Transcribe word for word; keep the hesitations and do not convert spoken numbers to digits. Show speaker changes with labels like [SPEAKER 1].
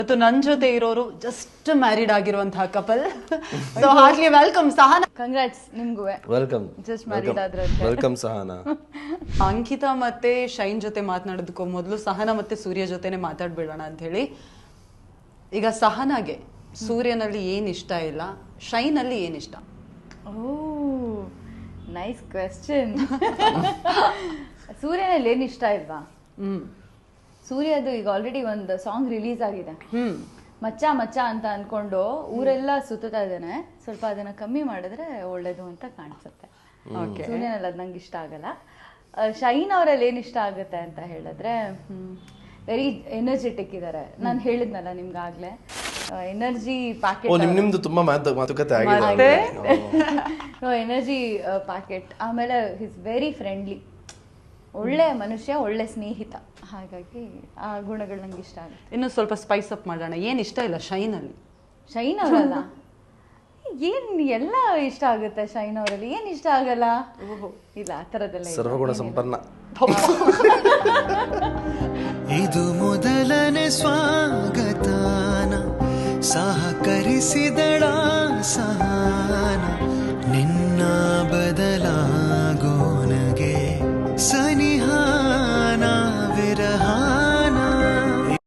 [SPEAKER 1] ಇವತ್ತು ನನ್ನ ಜೊತೆ ಇರೋರು ಜಸ್ಟ್ ಮ್ಯಾರಿಡ್ ಆಗಿರುವಂತಹ couple. So heartly welcome Sahana.
[SPEAKER 2] Congrats ನಿಮ್ಗೂ.
[SPEAKER 3] ವೆಲ್ಕಮ್.
[SPEAKER 2] ಜಸ್ಟ್ ಮ್ಯಾರಿಡ್ ಆದ್ರೆ
[SPEAKER 3] ವೆಲ್ಕಮ್ ಸಹನಾ.
[SPEAKER 1] ಅಂಕಿತಾ ಮತ್ತೆ ಶೈನ್ ಜೊತೆ ಮಾತನಾಡೋದಕ್ಕೂ ಮೊದಲು ಸಹನಾ ಮತ್ತೆ ಸೂರ್ಯ ಜೊತೆನೆ ಮಾತಾಡ್ಬಿಡೋಣ ಅಂತ ಹೇಳಿ. ಈಗ ಸಹನಾಗೆ ಸೂರ್ಯನಲ್ಲಿ ಏನ್ ಇಷ್ಟ ಇಲ್ಲ, ಶೈನ್ ಅಲ್ಲಿ ಏನ್ ಇಷ್ಟ?
[SPEAKER 2] ಓ ನೈಸ್ ಕ್ವೆಶ್ಚನ್. ಸೂರ್ಯನಲ್ಲಿ ಏನ್ ಇಷ್ಟ ಇಲ್ವಾ?
[SPEAKER 1] ಹ್ಮ್
[SPEAKER 2] ಸೂರ್ಯದು ಈಗ ಆಲ್ರೆಡಿ ಒಂದು ಸಾಂಗ್ ರಿಲೀಸ್ ಆಗಿದೆ, ಮಚ್ಚ ಮಚ್ಚ ಅಂತ ಅನ್ಕೊಂಡು ಊರೆಲ್ಲ ಸುತ್ತಾ ಇದ್ದಾನೆ. ಸ್ವಲ್ಪ ಅದನ್ನ ಕಮ್ಮಿ ಮಾಡಿದ್ರೆ ಒಳ್ಳೇದು ಅಂತ ಕಾಣಿಸುತ್ತೆ. ಸೂರ್ಯನಲ್ಲಿ ಅದ್ ನಂಗೆ ಇಷ್ಟ ಆಗಲ್ಲ. ಶೈನ್ ಅವರಲ್ಲಿ ಏನ್ ಇಷ್ಟ ಆಗುತ್ತೆ ಅಂತ ಹೇಳಿದ್ರೆ, ವೆರಿ ಎನರ್ಜೆಟಿಕ್ ಇದಾರೆ. ನಾನು ಹೇಳಿದ್ನಲ್ಲ ನಿಮ್ಗಾಗ್ಲೇ, ಎನರ್ಜಿ ಪ್ಯಾಕೆಟ್.
[SPEAKER 3] ನಿಮ್ದು ತುಂಬಾ ಮಾತುಕತೆ ಆಗಿದೆ.
[SPEAKER 2] Energy packet. ಆಮೇಲೆ ಹಿಸ್ ವೆರಿ ಫ್ರೆಂಡ್ಲಿ, ಒಳ್ಳೆ ಮನುಷ್ಯ, ಒಳ್ಳೆ ಸ್ನೇಹಿತ. ಹಾಗಾಗಿ ಆ ಗುಣಗಳು ನಂಗೆ ಇಷ್ಟ ಆಗುತ್ತೆ.
[SPEAKER 1] ಇನ್ನು ಸ್ವಲ್ಪ ಸ್ಪೈಸ್ ಅಪ್ ಮಾಡೋಣ. ಏನ್ ಇಷ್ಟ ಇಲ್ಲ ಶೈನ್ ಅಲ್ಲಿ?
[SPEAKER 2] ಶೈನ್ ಅವರಲ್ಲ, ಏನ್ ಎಲ್ಲ ಇಷ್ಟ ಆಗುತ್ತೆ ಶೈನ್ ಅವರಲ್ಲಿ. ಏನ್ ಇಷ್ಟ ಆಗಲ್ಲ? ಇಲ್ಲ ಆ ತರದೆಲ್ಲ.
[SPEAKER 3] ಸರ್ವಗುಣ ಸಂಪನ್ನ.
[SPEAKER 4] ಇದು ಮೊದಲನೇ ಸ್ವಾಗತಾನ ಸಹಕರಿಸಿದಳ ಸಹನ.